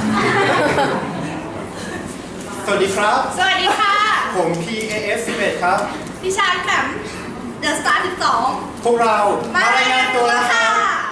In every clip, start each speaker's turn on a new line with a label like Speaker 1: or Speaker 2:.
Speaker 1: สวัสดีครับ
Speaker 2: สวัสดีค่ะ
Speaker 1: ผม PAF11 ครับ
Speaker 2: ดิฉันแหม่มเดอะสตาร์12
Speaker 1: พวกเรา
Speaker 2: มารายงานตัวค่ะ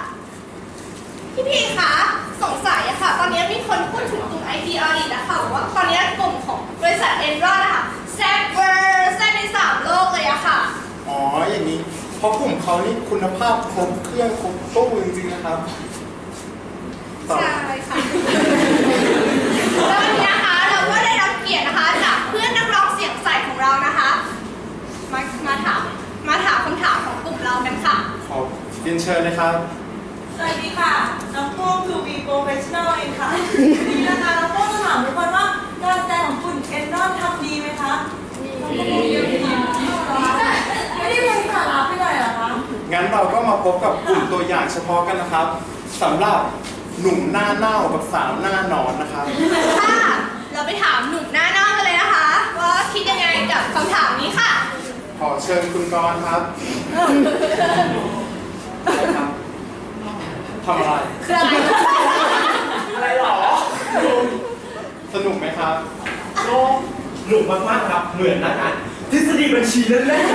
Speaker 2: พี่คะสงสัยอะค่ะตอนนี้มีคนพูดถึงกลุ่ม IT Audit นะคะว่าตอนนี้กลุ่มของบริษัท Enron นะคะแซ่บเวอร์แซ่บใน3 โลกเลยอะค่ะ
Speaker 1: อ๋ออย่างนี้เพราะกลุ่มเขานี่คุณภาพครบเครื่องครบตู้จริงๆนะครับ
Speaker 2: ใช่ค่ะแล้ววันนี้นะคะเราก็ได้รับเกียรตินะคะจากเพื่อนนักร้องเสียงใสของเรานะคะมาถามคำถามของกลุ่มเรากันค่ะ
Speaker 1: ขอเรียนเชิญเลยครับ
Speaker 3: สวัสดีค่ะน้องโป้งคือ V Professional เองค่ะนี่นะคะน้องโป้งจะถามทุกคนว่าการแสดงของคุณเอนรอนทำดีไหมคะไม่ได้เป็นสาระไปเลยเหรอคะ
Speaker 1: งั้นเราก็มาพบกับกลุ่มตัวอย่างเฉพาะกันนะครับสำหรับหนุ่มหน้าเน่ากับสาวหน้าหนอนนะครับ
Speaker 2: ค่ะเราไปถามหนุ่มหน้าเน่ากันเลยนะคะว่าคิดยังไงกับคำถามนี้ค่ะ
Speaker 1: ขอเชิญคุณกรณ์ครับทำอะไร
Speaker 2: คืออะไร
Speaker 1: อะไรหรอสนุกไหมครับ
Speaker 4: หนุกมากๆครับเหมือนนะกันทฤษฎีบัญชีเล่น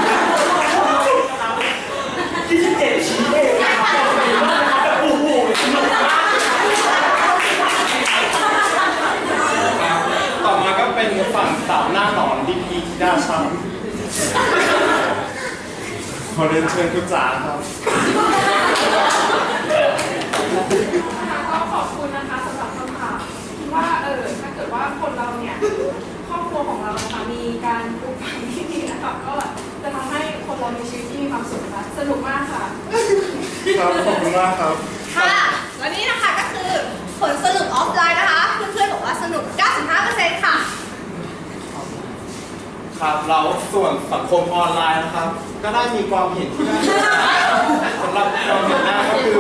Speaker 4: ๆที่เจ็ดชี้เองนะครับโอ้โหสนุกมาก
Speaker 1: ต่อมาก็เป็นฝั่งสาวหน้าหนอนดีพีด้าช้ำขอเรียนเชิญคุณจ๋าครับ
Speaker 5: ก็ขอบคุณนะคะสำหรับคำถามว่าถ้าเกิดว่าคนเราเนี่ยครอบครัวของเรานะคะมีการปลูกฝังที่ดีนะคะก็จะทำให้คนเรามีชีวิตที่มีความสุขนะคะสนุกมากค่ะ
Speaker 1: ครับขอบคุณมากครับ
Speaker 2: ค่ะแล้วนี่นะคะก็คือผลสรุปออฟไลน์นะคะเพื่อนๆบอกว่าสนุก 95% ค่ะ
Speaker 1: ครับแล้วส่วนสังคมออนไลน์นะครับก็ได้มีความเห็นที่น่าสนใจสำหรับความเห็นหน้าก็คือ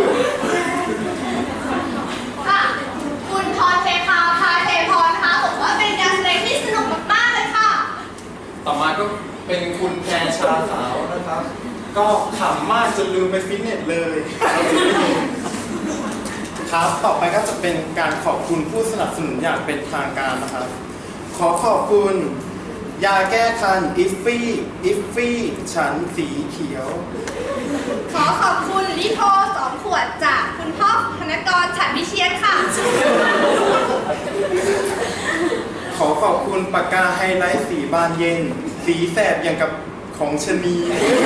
Speaker 2: ค่ะคุณพรเทพรนะคะบอกว่าเป็นการแสดงที่สนุกมากๆเลยค่ะ
Speaker 1: ต่อมาก็เป็นคุณแพรชาสาวนะครับก็ขำมากจนลืมไปฟิตเนสเลยครับต่อไปก็จะเป็นการขอบคุณผู้สนับสนุนอย่างเป็นทางการนะครับขอขอบคุณยาแก้คันอิฟฟี่ฉันสีเขียว
Speaker 2: ขอขอบคุณลิโพ2 ขวดจากคุณพ่อธนกรฉันวิเชียรค่ะ
Speaker 1: ขอขอบคุณปากกาไฮไลท์สีบานเย็นสีแสบอย่างกับของชนี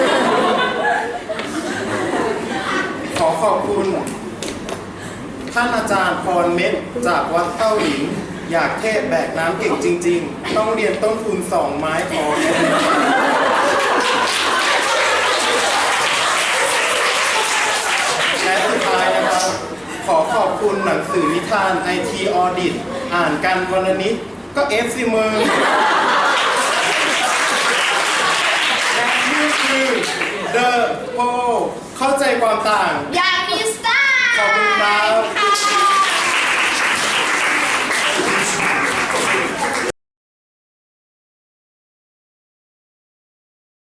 Speaker 1: ขอขอบคุณท่านอาจารย์พรเม็ดจากวัดเต้าหลินอยากเทศแบกน้ำเก่งจริงๆต้องเรียนต้นทุน2 ไม้พอและสุดท้ายนะครับขอขอบคุณหนังสือนิทาน IT Audit อ่านกันวันละนิดก็FCมือและนี่คือ The Poll เข้าใจความต่าง
Speaker 2: อย่างมีสไตล์
Speaker 1: ขอบคุณครับ